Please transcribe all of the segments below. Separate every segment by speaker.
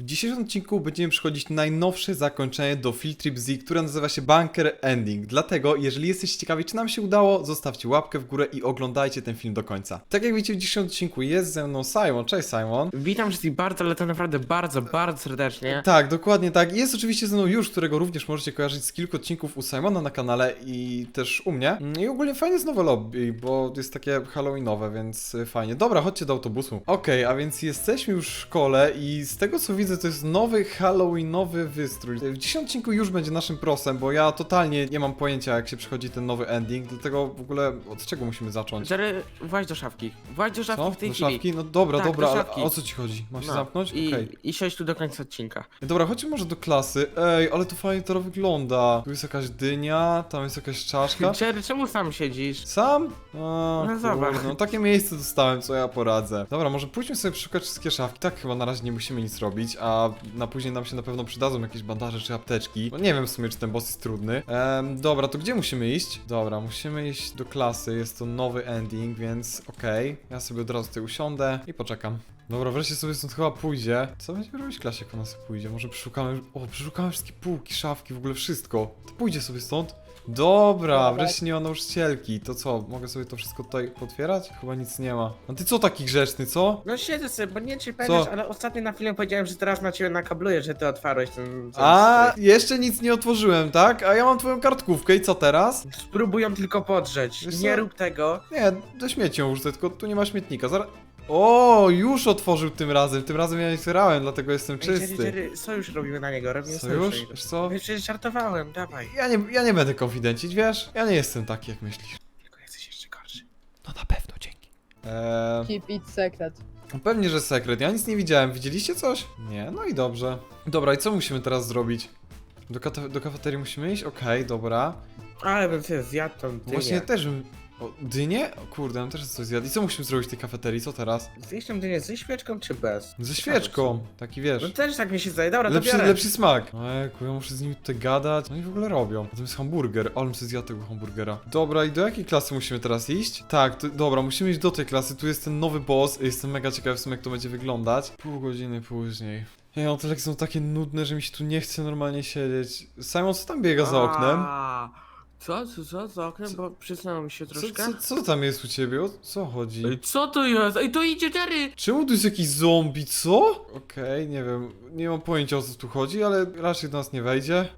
Speaker 1: dzisiejszym odcinku będziemy przechodzić najnowsze zakończenie do Field Trip Z, które nazywa się Bunker Ending. Dlatego, jeżeli jesteście ciekawi, czy nam się udało, zostawcie łapkę w górę i oglądajcie ten film do końca. Tak jak widzicie, w dzisiejszym odcinku jest ze mną Simon. Cześć Simon.
Speaker 2: Witam wszystkich bardzo, ale to naprawdę bardzo serdecznie.
Speaker 1: Tak, dokładnie tak. Jest oczywiście ze mną już, którego również możecie kojarzyć z kilku odcinków u Simona na kanale i też u mnie. I ogólnie fajnie jest nowe lobby, bo jest takie halloweenowe, więc fajnie. Dobra, chodźcie do autobusu. Okej, a więc jesteśmy już w szkole i z tego co widzę, to jest nowy halloweenowy wystrój. W dzisiejszym odcinku już będzie naszym prosem, bo ja totalnie nie mam pojęcia, jak się przechodzi ten nowy ending, dlatego w ogóle od czego musimy zacząć?
Speaker 2: Jerry, właź do szafki. Właź do szafki
Speaker 1: Co?
Speaker 2: w tej
Speaker 1: Do
Speaker 2: chwili.
Speaker 1: szafki? No dobra,
Speaker 2: Tak,
Speaker 1: dobra,
Speaker 2: do
Speaker 1: ale
Speaker 2: szafki.
Speaker 1: o co ci chodzi? Mam się
Speaker 2: No,
Speaker 1: zamknąć? Okej.
Speaker 2: I siądź tu do końca odcinka.
Speaker 1: Dobra, chodźmy może do klasy. Ej, ale to fajnie to wygląda. Tu jest jakaś dynia, tam jest jakaś czaszka.
Speaker 2: Jerry, czemu sam siedzisz?
Speaker 1: Sam?
Speaker 2: No zobacz.
Speaker 1: Kurde, no takie miejsce dostałem, co ja poradzę. Dobra, może pójdźmy sobie przeszukać wszystkie szafki. Tak chyba na razie nie musimy nic robić, a na później nam się na pewno przydadzą jakieś bandaże czy apteczki. No nie wiem w sumie, czy ten boss jest trudny. Dobra, to gdzie musimy iść? Dobra, musimy iść do klasy, jest to nowy ending, więc okej. Ja sobie od razu tutaj usiądę i poczekam. Dobra, wreszcie sobie stąd chyba pójdzie. Co będziemy robić w klasie, jak ona sobie pójdzie? Może przeszukamy... O, przeszukamy wszystkie półki, szafki, w ogóle wszystko. To pójdzie sobie stąd. Dobra, wreszcie nie ma nauczycielki. To co, mogę sobie to wszystko tutaj potwierać? Chyba nic nie ma. A ty co taki grzeczny, co?
Speaker 2: No siedzę sobie, bo nie wiem, czy pamiętasz, ale ostatnio na filmie powiedziałem, że teraz na ciebie nakabluję, że ty otwarłeś ten...
Speaker 1: A, jeszcze nic nie otworzyłem, tak? A ja mam twoją kartkówkę i co teraz?
Speaker 2: Spróbują tylko podrzeć.
Speaker 1: Wiesz
Speaker 2: Nie
Speaker 1: co?
Speaker 2: rób tego.
Speaker 1: Nie, do śmieci ją wrzucę, tylko tu nie ma śmietnika. Zaraz... O, już otworzył tym razem. Tym razem ja nie otwierałem, dlatego jestem
Speaker 2: Jerry,
Speaker 1: czysty.
Speaker 2: Jerry, sojusz robimy na niego, robimy
Speaker 1: Sojusz?
Speaker 2: sojusz.
Speaker 1: Wiesz co?
Speaker 2: Wiesz, przecież żartowałem, dawaj.
Speaker 1: Ja nie będę konfidencić, wiesz? Ja nie jestem taki, jak myślisz.
Speaker 2: Tylko jesteś jeszcze gorszy.
Speaker 1: No na pewno, dzięki.
Speaker 3: Keep it secret.
Speaker 1: Pewnie, że sekret. Ja nic nie widziałem. Widzieliście coś? Nie, no i dobrze. Dobra, i co musimy teraz zrobić? Do kafeterii musimy iść? Okej, dobra.
Speaker 2: Ale bym sobie zjadł tą dynię.
Speaker 1: Właśnie też bym... O, dynię? O kurde, ja też coś zjadł. I co musimy zrobić w tej kafeterii? Co teraz?
Speaker 2: Zjeść tą dynię ze świeczką czy bez?
Speaker 1: Ze świeczką. Taki
Speaker 2: No
Speaker 1: wiesz.
Speaker 2: też tak mi się zdaje, dobra, to biorę.
Speaker 1: Lepszy smak. Ojku, ja muszę z nimi tutaj gadać. No i w ogóle robią. A to jest hamburger. Ale bym sobie zjadł tego hamburgera. Dobra, i do jakiej klasy musimy teraz iść? Tak, dobra, musimy iść do tej klasy. Tu jest ten nowy boss. Jestem mega ciekawy w sumie, jak to będzie wyglądać. Pół godziny później. Ej, no te lekcje są takie nudne, że mi się tu nie chce normalnie siedzieć. Simon, co tam biega za oknem?
Speaker 2: Co za oknem? Bo przysnęło mi się troszkę.
Speaker 1: Co tam jest u ciebie? O co chodzi?
Speaker 2: Ej, co to jest? Ej, to idzie Jerry!
Speaker 1: Czemu tu jest jakiś zombie, co? Okej, nie wiem, nie mam pojęcia o co tu chodzi, ale raczej do nas nie wejdzie.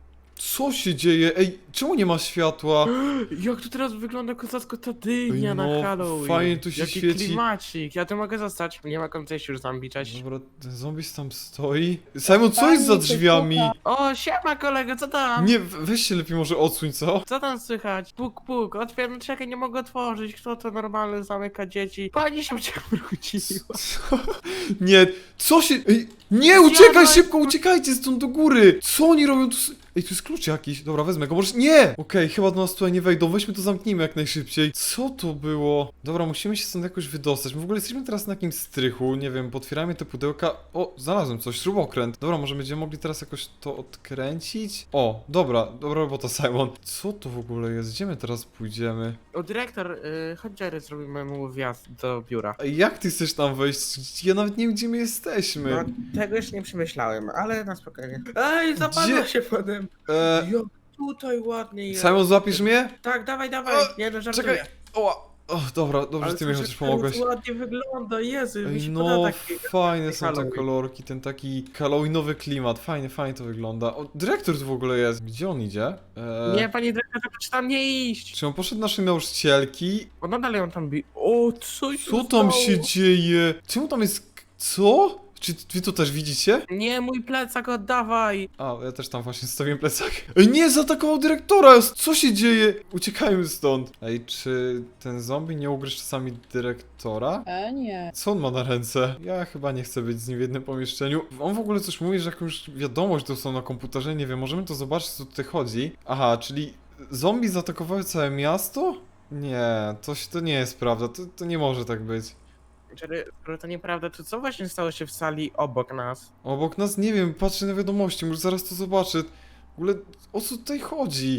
Speaker 1: Co się dzieje? Ej, czemu nie ma światła?
Speaker 2: Jak to teraz wygląda kozacko ta dynia
Speaker 1: Ej,
Speaker 2: na
Speaker 1: no,
Speaker 2: Halloween?
Speaker 1: fajnie tu się
Speaker 2: Jaki
Speaker 1: świeci.
Speaker 2: klimacik, ja tu mogę zostać. Nie ma końca już zombie, cześć.
Speaker 1: Dobra, ten zombie tam stoi. Simon, co jest za drzwiami?
Speaker 2: O, siema kolego, co tam?
Speaker 1: Nie, weź się lepiej może odsuń, co?
Speaker 2: Co tam słychać? Puk, puk, otwieram, czekaj, nie mogę otworzyć. Kto to normalny zamyka dzieci? Pani się wróciła.
Speaker 1: Co? Nie, co się... Ej, nie, uciekaj
Speaker 2: Zjadłeś-
Speaker 1: szybko, uciekajcie stąd do góry! Co oni robią tu? Ej, tu jest klucz jakiś. Dobra, wezmę go, może... Nie! Okej, chyba do nas tutaj nie wejdą, weźmy to zamknijmy jak najszybciej. Co to było? Dobra, musimy się stąd jakoś wydostać. My w ogóle jesteśmy teraz na jakimś strychu, nie wiem, potwieramy te pudełka. O, znalazłem coś, śrubokręt. Dobra, może będziemy mogli teraz jakoś to odkręcić? O, dobra robota, Simon. Co to w ogóle jest? Gdzie my teraz pójdziemy?
Speaker 2: O, dyrektor, chodź Jerry, zrobimy mu wjazd do biura.
Speaker 1: Ej, jak ty chcesz tam wejść? Ja nawet nie wiem, gdzie my jesteśmy.
Speaker 2: No, tego jeszcze nie przemyślałem, ale na spokojnie. Ej, zapadło
Speaker 1: Gdzie?
Speaker 2: się potem. Jak tutaj ładnie jest.
Speaker 1: Simon, złapisz mnie?
Speaker 2: Tak, dawaj, nie no, żartuję.
Speaker 1: Czekaj. O, dobra, dobrze, że ty mi
Speaker 2: to,
Speaker 1: chociaż pomogłeś.
Speaker 2: ładnie wygląda, Jezu, mi
Speaker 1: Ej,
Speaker 2: się
Speaker 1: no,
Speaker 2: podoba taki...
Speaker 1: fajne są te
Speaker 2: Halloween.
Speaker 1: kolorki, ten taki halloweenowy klimat, fajnie to wygląda. O, dyrektor tu w ogóle jest. Gdzie on idzie?
Speaker 2: Nie, panie dyrektorze, proszę tam nie iść.
Speaker 1: Czy on poszedł do naszej nauczycielki?
Speaker 2: O, nadal ją tam bi... O, co się
Speaker 1: Co tam się
Speaker 2: stało?
Speaker 1: dzieje? Czemu tam jest... Co? Czy wy to też widzicie?
Speaker 2: Nie, mój plecak oddawaj.
Speaker 1: A, ja też tam właśnie stawiłem plecak. Ej, nie, zaatakował dyrektora! Co się dzieje? Uciekajmy stąd. Ej, czy ten zombie nie ugryźł czasami dyrektora?
Speaker 3: Nie.
Speaker 1: Co on ma na ręce? Ja chyba nie chcę być z nim w jednym pomieszczeniu. On w ogóle coś mówi, że jakąś wiadomość dostał na komputerze, nie wiem, możemy to zobaczyć, co tutaj chodzi. Aha, czyli zombie zaatakowały całe miasto? Nie, to nie jest prawda, to nie może tak być.
Speaker 2: Jerry, skoro to nieprawda, to co właśnie stało się w sali obok nas?
Speaker 1: Obok nas, nie wiem, patrzę na wiadomości, może zaraz to zobaczę. W ogóle, o co tutaj chodzi?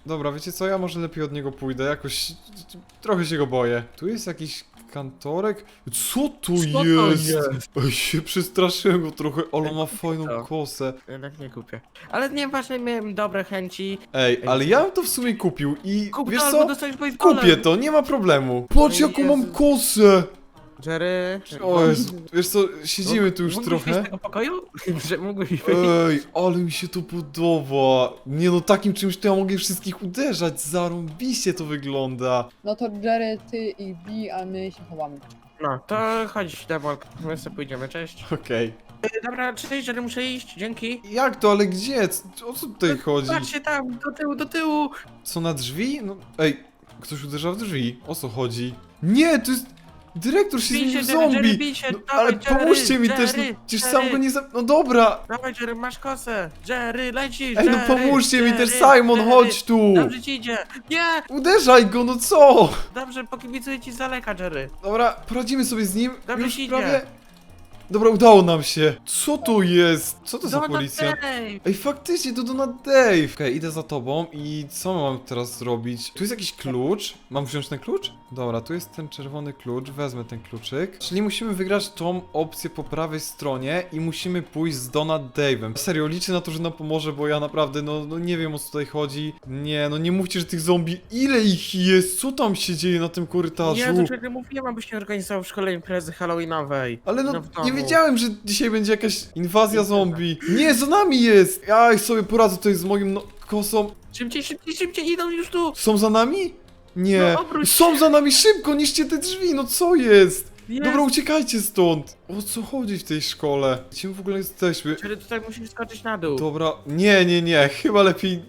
Speaker 1: Dobra, wiecie co, ja może lepiej od niego pójdę, jakoś trochę się go boję. Tu jest jakiś kantorek? Co to
Speaker 2: Co to
Speaker 1: jest?
Speaker 2: jest?
Speaker 1: Ej, się przestraszyłem go trochę, ale ma fajną
Speaker 2: Co?
Speaker 1: kosę.
Speaker 2: Jednak nie kupię. Ale nieważne, miałem dobre chęci.
Speaker 1: Ej, ale ja bym to w sumie kupił i
Speaker 2: Kup
Speaker 1: wiesz
Speaker 2: to albo
Speaker 1: co?
Speaker 2: dostaniesz baseballem.
Speaker 1: Kupię to, nie ma problemu. Patrz jaką mam
Speaker 2: Jezu.
Speaker 1: kosę!
Speaker 2: Jerry...
Speaker 1: O Jezu, wiesz co, siedzimy tu już
Speaker 2: Mógłbyś wyjść
Speaker 1: trochę.
Speaker 2: z tego pokoju? Że mógłbyś wyjść.
Speaker 1: Ej, ale mi się to podoba. Nie no, takim czymś to ja mogę wszystkich uderzać. Zarąbiście to wygląda.
Speaker 3: No to Jerry, ty ich bij, a my się chowamy.
Speaker 2: No, to chodź, Demolk, my sobie pójdziemy, cześć.
Speaker 1: Okej.
Speaker 2: Dobra, cześć, Jerry, muszę iść, dzięki.
Speaker 1: Jak to, ale gdzie? O co tutaj chodzi?
Speaker 2: Patrzcie tam, do tyłu.
Speaker 1: Co, na drzwi? No, ej, ktoś uderza w drzwi. O co chodzi? Nie, to jest... Dyrektor się
Speaker 2: Bij
Speaker 1: zmienił w
Speaker 2: się, Jerry,
Speaker 1: zombie!
Speaker 2: bij się,
Speaker 1: No,
Speaker 2: dawaj,
Speaker 1: ale
Speaker 2: Jerry,
Speaker 1: pomóżcie mi też, no,
Speaker 2: Jerry,
Speaker 1: przecież
Speaker 2: Jerry.
Speaker 1: sam go nie No dobra!
Speaker 2: Dawaj, Jerry, masz kosę. Jerry, lecisz,
Speaker 1: Ej, no
Speaker 2: Jerry,
Speaker 1: pomóżcie mi też,
Speaker 2: Jerry,
Speaker 1: Simon,
Speaker 2: Jerry.
Speaker 1: chodź tu!
Speaker 2: Dobrze ci idzie. Nie!
Speaker 1: Uderzaj go, no co?
Speaker 2: Dobrze, pokibicuję ci z daleka, Jerry.
Speaker 1: Dobra, poradzimy sobie z nim.
Speaker 2: Dobrze
Speaker 1: Już
Speaker 2: ci idzie.
Speaker 1: prawie... Dobra, udało nam się. Co to jest? Co to za
Speaker 2: Donut
Speaker 1: policja?
Speaker 2: Dave.
Speaker 1: Ej, faktycznie, to Donut Dave. Okej, idę za tobą i co mam teraz zrobić? Tu jest jakiś klucz? Mam wziąć ten klucz? Dobra, tu jest ten czerwony klucz, wezmę ten kluczyk. Czyli musimy wygrać tą opcję po prawej stronie i musimy pójść z Donut Dave'em. Serio, liczę na to, że nam pomoże, bo ja naprawdę, no nie wiem o co tutaj chodzi. Nie, no nie mówcie, że tych zombie... Ile ich jest? Co tam się dzieje na tym korytarzu?
Speaker 2: Ja do czego mówiłem, abyś nie organizował w szkole imprezy halloweenowej.
Speaker 1: Ale no,
Speaker 2: w domu.
Speaker 1: nie wiedziałem, że dzisiaj będzie jakaś inwazja zombie. Nie, za nami jest! Ja ich sobie poradzę tutaj z moim kosą.
Speaker 2: Szybciej, szybciej, szybciej, idą już tu.
Speaker 1: Są za nami? Nie.
Speaker 2: No, obróć
Speaker 1: Są za nami, szybko, niszcie te drzwi, no co jest?
Speaker 2: Jest.
Speaker 1: Dobra, uciekajcie stąd. O co chodzi w tej szkole? Gdzie my w ogóle jesteśmy?
Speaker 2: Jerry, tutaj musisz skoczyć na dół.
Speaker 1: Dobra, nie, chyba lepiej...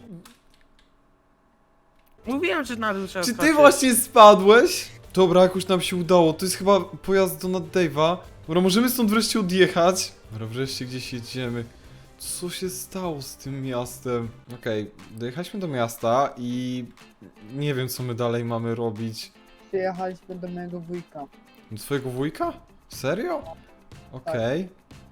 Speaker 2: Mówiłem, że na dół trzeba
Speaker 1: Czy ty
Speaker 2: skoczyć.
Speaker 1: właśnie spadłeś? Dobra, jakoś nam się udało, to jest chyba pojazd Donut Dave'a. Dobra, możemy stąd wreszcie odjechać. Dobra, wreszcie gdzieś jedziemy. Co się stało z tym miastem? Okej, dojechaliśmy do miasta i... Nie wiem, co my dalej mamy robić.
Speaker 3: Przyjechaliśmy do mojego wujka.
Speaker 1: Do twojego wujka? Serio? Okej.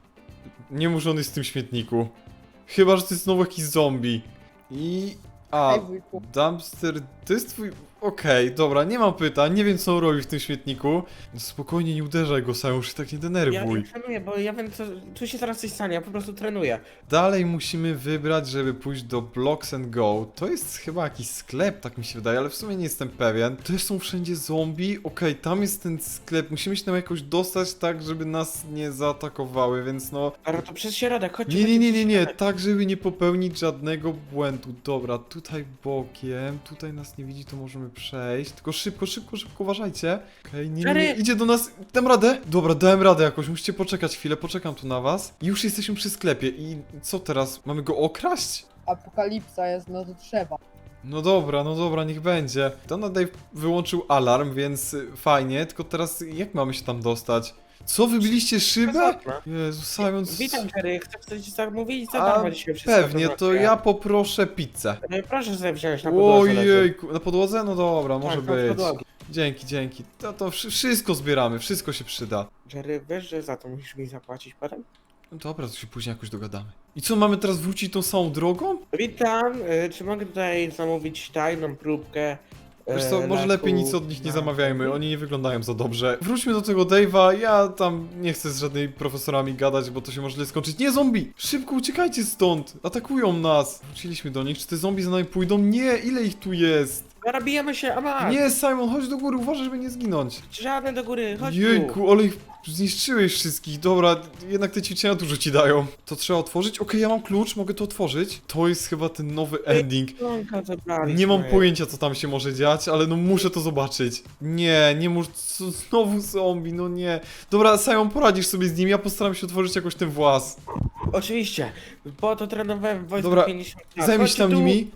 Speaker 1: Nie mów, że on jest w tym śmietniku. Chyba, że to jest znowu jakiś zombie. I... A,
Speaker 3: Hej wujku.
Speaker 1: dumpster... To jest twój... Okej, dobra, nie mam pytań, nie wiem co on robi w tym śmietniku. Spokojnie, nie uderzaj go sam, już się tak nie
Speaker 2: Ja
Speaker 1: denerwuj.
Speaker 2: trenuję, bo ja wiem, co, tu się zaraz coś stanie, ja po prostu trenuję.
Speaker 1: Dalej musimy wybrać, żeby pójść do Blocks and Go. To jest chyba jakiś sklep, tak mi się wydaje, ale w sumie nie jestem pewien. Też są wszędzie zombie. Okej, tam jest ten sklep. Musimy się tam jakoś dostać tak, żeby nas nie zaatakowały, więc no...
Speaker 2: Ale to przez środek, chodźcie.
Speaker 1: Nie,
Speaker 2: chodźcie przez środek.
Speaker 1: tak żeby nie popełnić żadnego błędu. Dobra, tutaj bokiem, tutaj nas nie widzi, to możemy przejść. Tylko szybko, uważajcie. Okej, nie,
Speaker 2: Jerry!
Speaker 1: idzie do nas. Dam radę? Dobra, dałem radę jakoś, musicie poczekać chwilę, poczekam tu na was. I już jesteśmy przy sklepie i co teraz? Mamy go okraść?
Speaker 3: Apokalipsa jest, no to trzeba.
Speaker 1: No dobra, niech będzie. Donut Dave wyłączył alarm, więc fajnie, tylko teraz jak mamy się tam dostać? Co, wybiliście szybę? Jezu, Simon...
Speaker 2: Witam, Jerry, chcę coś zamówić, co
Speaker 1: A,
Speaker 2: tam dzisiaj wszystko
Speaker 1: pewnie, to
Speaker 2: zobaczę.
Speaker 1: ja poproszę pizzę.
Speaker 2: Proszę sobie wziąć na podłodze. leży.
Speaker 1: Ojejku, na podłodze? No dobra, może
Speaker 2: Tak, na
Speaker 1: być.
Speaker 2: podłodze.
Speaker 1: Dzięki. To wszystko zbieramy, wszystko się przyda.
Speaker 2: Jerry, wiesz, że za to musisz mi zapłacić potem?
Speaker 1: No dobra, to się później jakoś dogadamy. I co, mamy teraz wrócić tą samą drogą?
Speaker 2: Witam, czy mogę tutaj zamówić tajną próbkę?
Speaker 1: Wiesz co, może
Speaker 2: leku
Speaker 1: lepiej nic od nich nie
Speaker 2: na-
Speaker 1: zamawiajmy, oni nie wyglądają za dobrze. Wróćmy do tego Dave'a, ja tam nie chcę z żadnymi profesorami gadać, bo to się może źle skończyć. Nie, zombie! Szybko uciekajcie stąd! Atakują nas! Wróciliśmy do nich, czy te zombie za nami pójdą? Nie, ile ich tu jest?
Speaker 2: Zarabijemy się, a masz!
Speaker 1: Nie, Simon, chodź do góry, uważaj, żeby nie zginąć.
Speaker 2: Żadne do góry, chodź tu!
Speaker 1: Jejku, ale ich zniszczyłeś wszystkich. Dobra, jednak te ćwiczenia dużo ci dają. To trzeba otworzyć? Okej, ja mam klucz, mogę to otworzyć. To jest chyba ten nowy ending.
Speaker 2: Słonka zabraliśmy.
Speaker 1: Nie mam pojęcia, co tam się może dziać, ale no muszę to zobaczyć. Nie muszę... Znowu zombie, no nie. Dobra, Simon, poradzisz sobie z nim, ja postaram się otworzyć jakoś ten włas.
Speaker 2: Oczywiście, bo to trenowałem w wojsku
Speaker 1: Dobra,
Speaker 2: 50 lat.
Speaker 1: Zajmij się
Speaker 2: Chodźcie
Speaker 1: tam
Speaker 2: tu.
Speaker 1: nimi.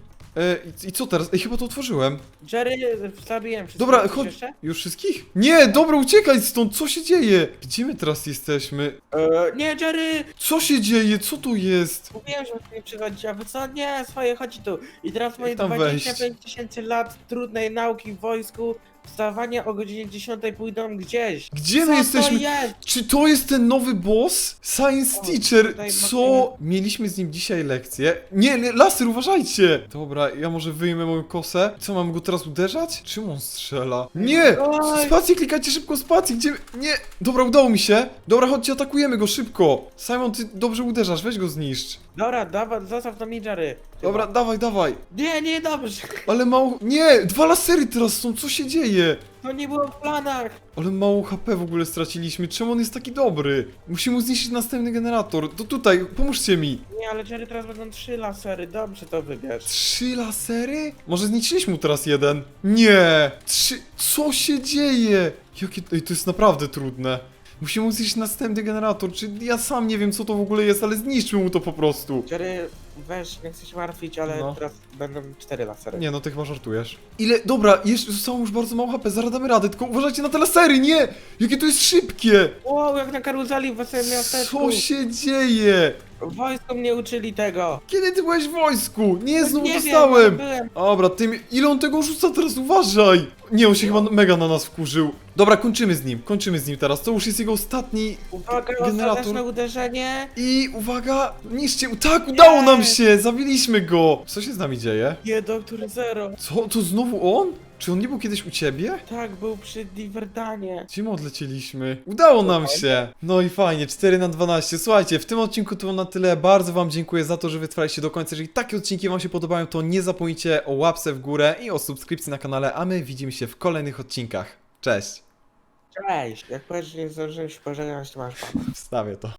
Speaker 1: I co teraz? Ej, chyba to otworzyłem.
Speaker 2: Jerry, zabiłem wszystkich.
Speaker 1: Dobra,
Speaker 2: Chcesz
Speaker 1: chodź.
Speaker 2: jeszcze?
Speaker 1: Już wszystkich? Nie, dobra, uciekaj stąd, co się dzieje? Gdzie my teraz jesteśmy?
Speaker 2: Nie, Jerry!
Speaker 1: Co się dzieje? Co tu jest?
Speaker 2: Mówiłem, że nie przychodzi, a wy co? Nie, swoje, chodź tu. I teraz moje
Speaker 1: tam
Speaker 2: 25 tysięcy lat trudnej nauki w wojsku wstawanie o godzinie 10 pójdą gdzieś.
Speaker 1: Gdzie
Speaker 2: Co
Speaker 1: my jesteśmy?
Speaker 2: to jest?
Speaker 1: Czy to jest ten nowy boss? Science
Speaker 2: O,
Speaker 1: Teacher,
Speaker 2: tutaj
Speaker 1: co? Mieliśmy z nim dzisiaj lekcję. Nie, laser, uważajcie! Dobra, ja może wyjmę moją kosę. Co, mam go teraz uderzać? Czym on strzela? Nie!
Speaker 2: Oj.
Speaker 1: Spację, klikajcie szybko, spację, gdzie... Nie! Dobra, udało mi się. Dobra, chodźcie, atakujemy go, szybko. Simon, ty dobrze uderzasz, weź go zniszcz.
Speaker 2: Dobra, dawaj, zostaw to mi, Jerry.
Speaker 1: Dobra, dawaj.
Speaker 2: Nie, dobrze.
Speaker 1: Ale mało... Nie! 2 lasery teraz są, co się dzieje?
Speaker 2: To nie było w planach.
Speaker 1: Ale mało HP w ogóle straciliśmy, czemu on jest taki dobry? Musimy mu zniszczyć następny generator. To tutaj, pomóżcie mi.
Speaker 2: Nie, ale Jerry, teraz będą 3 lasery, dobrze to wybierz.
Speaker 1: 3 lasery? Może zniszczyliśmy mu teraz jeden? Nie! 3... Co się dzieje? Jakie... Ej, to jest naprawdę trudne. Musimy mu zniszczyć następny generator, czy ja sam nie wiem co to w ogóle jest, ale zniszczmy mu to po prostu.
Speaker 2: Jerry, weź, nie chcę się martwić, ale
Speaker 1: No.
Speaker 2: teraz będą 4 lasery.
Speaker 1: Nie no, ty chyba żartujesz. Ile? Dobra, jeszcze zostało już bardzo mało HP, zaraz damy radę, tylko uważajcie na te lasery, nie! Jakie to jest szybkie!
Speaker 2: Wow, jak na karuzeli w wesołym miasteczku.
Speaker 1: Co się dzieje?
Speaker 2: Wojsko mnie uczyli tego.
Speaker 1: Kiedy ty byłeś w wojsku? Nie, znowu
Speaker 2: nie
Speaker 1: dostałem!
Speaker 2: Wiem, ale byłem.
Speaker 1: Dobra, ile on tego rzuca teraz, uważaj! Nie, on się chyba mega na nas wkurzył. Dobra, kończymy z nim teraz, to już jest jego ostatni
Speaker 2: Uwaga,
Speaker 1: generator.
Speaker 2: ostateczne uderzenie.
Speaker 1: I uwaga, niszcie, tak, udało nam się, zabiliśmy go! Co się z nami dzieje?
Speaker 2: Nie, doktor Zero.
Speaker 1: Co, to znowu on? Czy on nie był kiedyś u ciebie?
Speaker 2: Tak, był przy Diverdanie.
Speaker 1: Gdzie my odlecieliśmy? Udało nam się! No i fajnie, 4/12. Słuchajcie, w tym odcinku to na tyle. Bardzo wam dziękuję za to, że wytrwaliście do końca. Jeżeli takie odcinki wam się podobają, to nie zapomnijcie o łapce w górę i o subskrypcji na kanale, a my widzimy się w kolejnych odcinkach. Cześć!
Speaker 2: Cześć. Jak powiesz, że nie zdążyłem się pożegnać, to masz pana.
Speaker 1: Wstawię to.